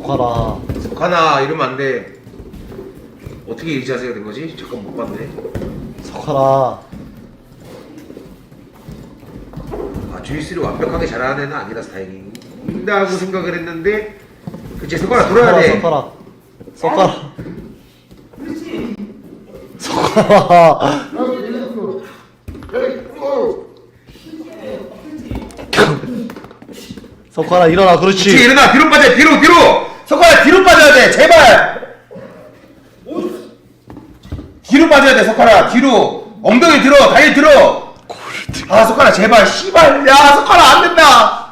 석하라. 석하나 이러면 안 돼. 어떻게 이 자세가 된 거지? 잠깐 못 봤네. 석하라. 아, 주짓수를 완벽하게 잘하는 애는 아니라서 다행이다고 생각을 했는데, 그치, 석하나 돌아야 돼. 석하라. 석하라. 석하라. 석하라 일어나. 그렇지. 그렇지, 일어나. 뒤로 빠져. 뒤로. 석하나 뒤로 빠져야 돼. 제발. 뒤로 빠져야 돼, 석하나. 뒤로. 엉덩이 들어. 다리 들어. 아, 석하나 제발. 씨발. 야, 석하나 안 된다.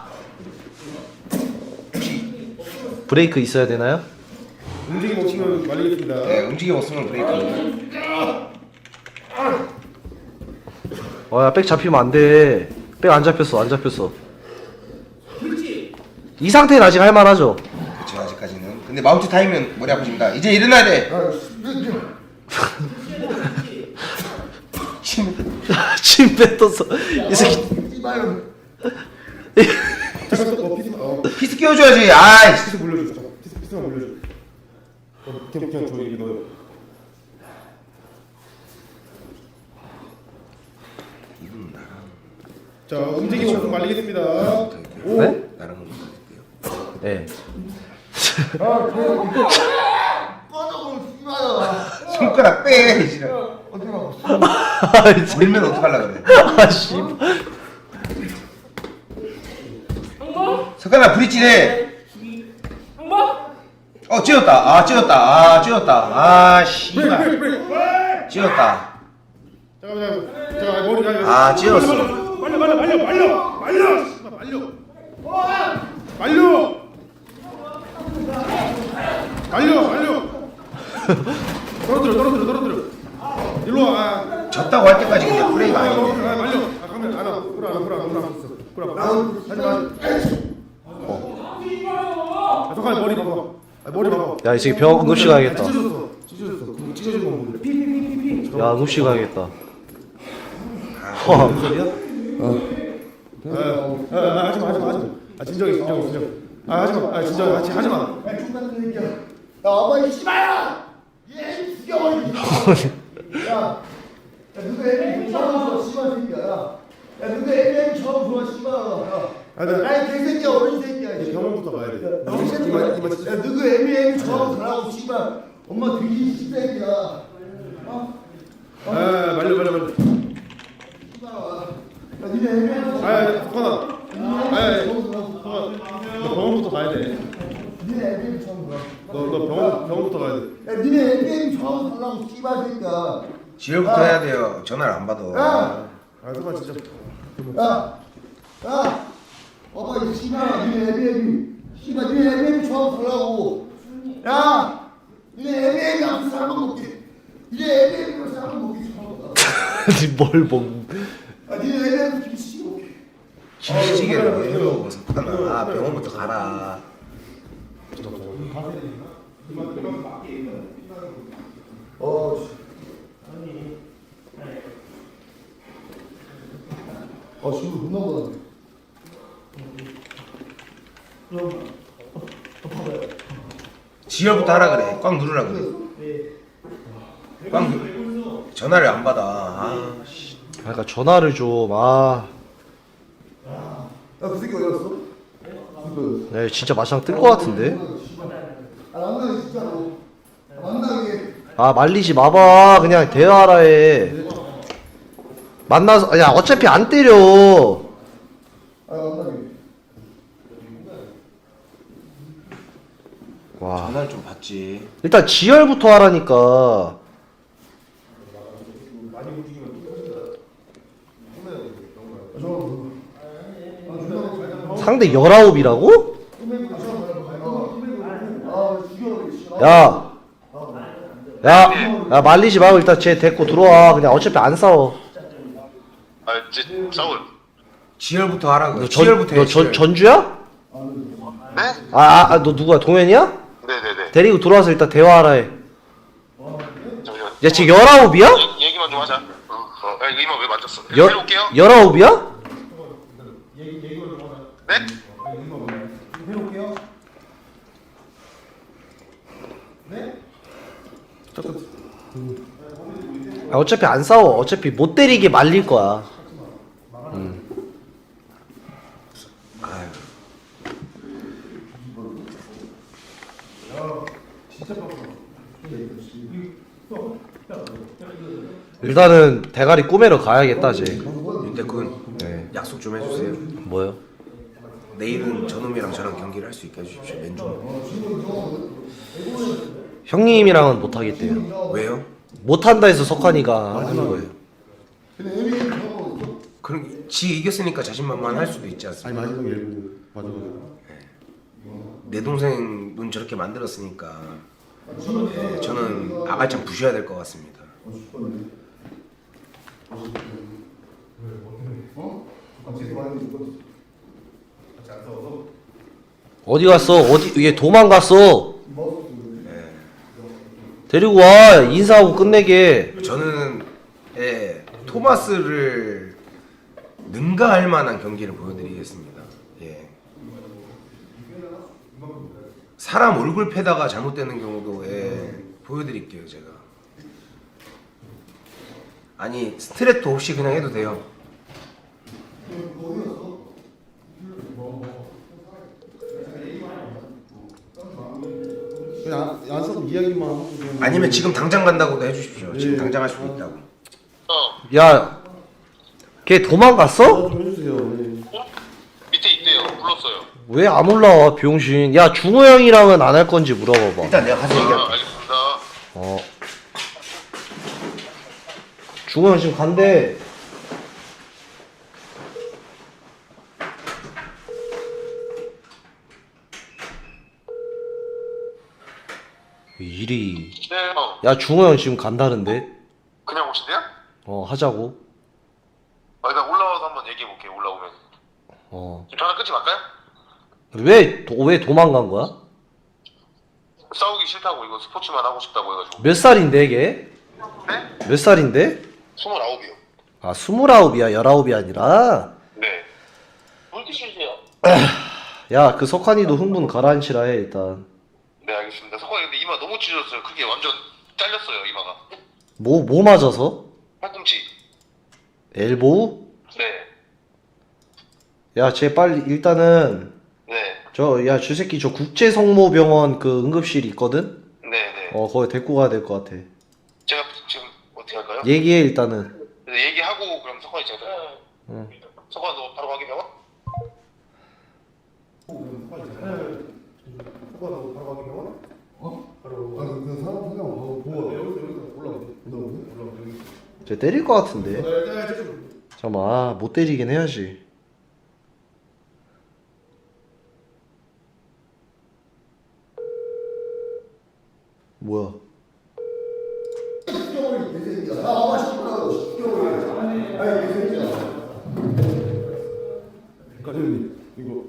브레이크 있어야 되나요? 움직임 없으면 말리겠습니다. 네, 움직임 없으면 브레이크. 야, 백 잡히면 안 돼. 백 안 잡혔어. 이 상태는 아직 할만하죠. 그쵸, 아직까지는. 근데 마운트 타이면 머리 아프십니다. 이제 일어나야 돼. 침 뱉었어. 이 새끼. 피스 끼워줘야지. 아이씨. 피스 물려줘. 잠깐. 피스만 물려줘. 그냥 저 여기 넣어요. 이분 나랑 자, 움직임 없으면 말리겠습니다. 오. 네? 나랑 못하겠대요. 네. 손가락 빼. 이제. 물면 어떡하려고 그래. 아, 씨. 석가나 브릿지네. 찧었다. 찧었다. 아, 씨발. 찧었다. 잠깐만. 자, 머리 아, 찧었어. 말려. 떨어뜨려. 일로 와. 졌다고 할 때까지 그냥 플레이가 아니네. 말려. 가면 안 와. 불안. 하지 마. 잠깐 머리 봐봐. 야, 이 새끼 병원 응급실 가야겠다. 찢어졌어. 찢어진 거 보는데. 야, 응급실 가야겠다. 하지 마. 진정해. 하지 마. 진정해. 하지 마. 야, 어머니 씨발야! 얘 죽여버려! 야, 누가 애들 처음 들어 씨발 새끼야. 야, 누가 애들 처음 들어 씨발. 야, 이 개새끼야, 어린 새끼야. 병원부터 가야 돼. 야, 누가 애들 처음 들어가고 씨발. 엄마 되게 씨새끼야. 말려. 씨발. 야, 니네 애들 석환아. 너 병원부터 가야 돼. 니네 애들 처음 들어. 너 병원부터 가야 돼. 야, 니네 애들 처음 들어가고 씨발 새끼야. 지혈부터 해야 돼요. 전화를 안 받아. 야! 석환 진짜. 야! 어머 이 씨발 니네 애비애비 씨발 니네 애비애비 처음 달라고. 야! 니네 애비애비 앞에서 한번 먹게. 니네 애비애비 앞에서 한번 먹게 처음. 뭘 먹. 니네 애비애비 김치찌개 먹게. 김치찌개를 왜 먹어, 석가나. 아, 병원부터 가라. 지금 못 넘어가네. 지혈부터 하라 그래. 꽉 누르라 그래. 전화를 안 받아. 아, 씨. 그러니까 전화를 좀. 아. 야, 그 새끼 어디 갔어? 야, 진짜 마상 뜰 것 같은데. 남당이 진짜로. 남당이. 아, 말리지 마봐. 그냥 대화하라 해. 만나서. 야, 어차피 안 때려. 남당이. 와. 전화를 좀 받지. 일단 지혈부터 하라니까. 상대 19이라고? 야. 야, 말리지 말고 일단 쟤 데리고 들어와. 그냥 어차피 안 싸워. 싸울. 지혈부터 하라 그래. 너 지혈부터 해. 지혈. 전주야? 네? 너 누구야? 동현이야? 네네네. 데리고 들어와서 일단 대화하라 해. 잠시만. 야, 지금 19이야? 얘기만 좀 하자. 야, 이거 이만 왜 만졌어? 열, 해볼게요. 19이야? 네? 어차피 안 싸워. 어차피 못 때리게 말릴 거야. 일단은 대가리 꾸매러 가야겠다 쟤. 윤태군 네. 약속 좀 해주세요. 뭐요? 내일은 저놈이랑 저랑 경기를 할 수 있게 해주십시오. 맨주. 형님이랑은 못 하겠대요. 왜요? 못 한다 해서 석환이가 하는 거예요. 그럼 지 이겼으니까 자신만만할 수도 있지 않습니까? 아니 마지막에 일부 마지막에. 내 동생 눈 저렇게 만들었으니까 예, 저는 아갈짱 부셔야 될 것 같습니다. 어디 갔어? 어디 얘 도망갔어? 데리고 와 인사하고 끝내게. 저는 예, 토마스를 능가할 만한 경기를 보여드리겠습니다. 예. 사람 얼굴 패다가 잘못되는 경우도 보여드릴게요 제가. 아니 스트레토 없이 그냥 해도 돼요. 그냥 안 써도 이야기만 하고 좀. 아니면 지금 당장 간다고도 해주십시오. 지금 당장 할 수도 있다고. 야, 걔 도망갔어? 좀 해주세요. 네. 밑에 있대요. 불렀어요. 왜 안 올라와 병신? 야 중호 형이랑은 안 할 건지 물어봐봐. 일단 내가 가서 얘기할게. 알겠습니다. 어. 중호 형 지금 간대. 일이. 네, 형. 야 중호 형 지금 간다는데. 그냥 오신대요? 하자고. 일단 올라와서 한번 얘기해볼게요. 올라오면. 지금 전화 끊지 말까요? 왜 도망간 거야? 싸우기 싫다고 이거 스포츠만 하고 싶다고 해가지고. 몇 살인데 걔? 네? 몇 살인데? 29이요. 아 29이야 19이 아니라. 네. 물 드시세요. 야 그 석환이도 흥분 가라앉히라 해 일단. 네, 알겠습니다. 석환이 근데 이마 너무 찢어졌어요. 그게 완전 잘렸어요, 이마가. 뭐 맞아서? 팔꿈치. 엘보우? 네. 야 쟤 빨리 일단은 네. 저 새끼 저 국제성모병원 그 응급실 있거든? 네, 네. 거기 데리고 가야 될 것 같아. 제가 지금 어떻게 할까요? 얘기해 일단은. 네, 얘기하고 그럼 석환이 제가. 응. 석환 너 바로 가게 병원? 그 사람 그냥 보고 쟤 때릴 것 같은데. 잠깐만 못 때리긴 해야지. 뭐야? 과장님 이거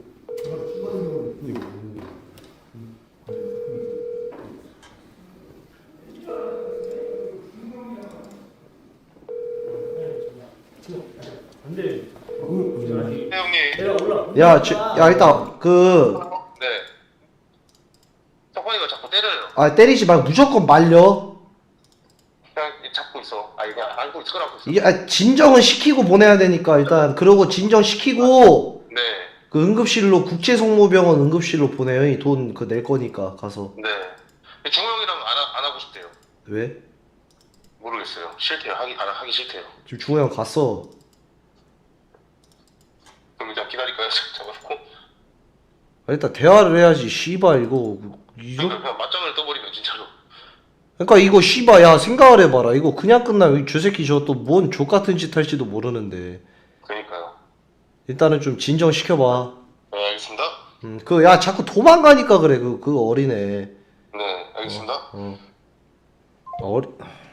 네, 형님. 야 일단 네. 석환이가 자꾸 때려요. 때리지 말고 무조건 말려. 그냥 잡고 있어. 이거 안고 있어. 안고 있어. 이게 진정은 시키고 보내야 되니까 일단 그러고 진정 시키고 네. 그 응급실로 국제성모병원 응급실로 보내요. 돈 그 낼 거니까 가서. 네. 중호 형이랑 안 하고 싶대요. 왜? 모르겠어요. 싫대요. 하기 싫대요. 지금 중호 형 갔어. 그럼 일단 기다릴까요? 잡아놓고. 일단 대화를 해야지. 씨발 이거 그러니까 그냥 맞짱을 떠버리면 진짜로. 그러니까 이거 씨발 야 생각을 해봐라. 이거 그냥 끝나면 저 새끼 저 또 뭔 족같은 짓 할지도 모르는데 그러니까요. 일단은 좀 진정 시켜봐. 네, 알겠습니다. 그 야 자꾸 도망가니까 그래 그 어린애. 네, 알겠습니다. 어리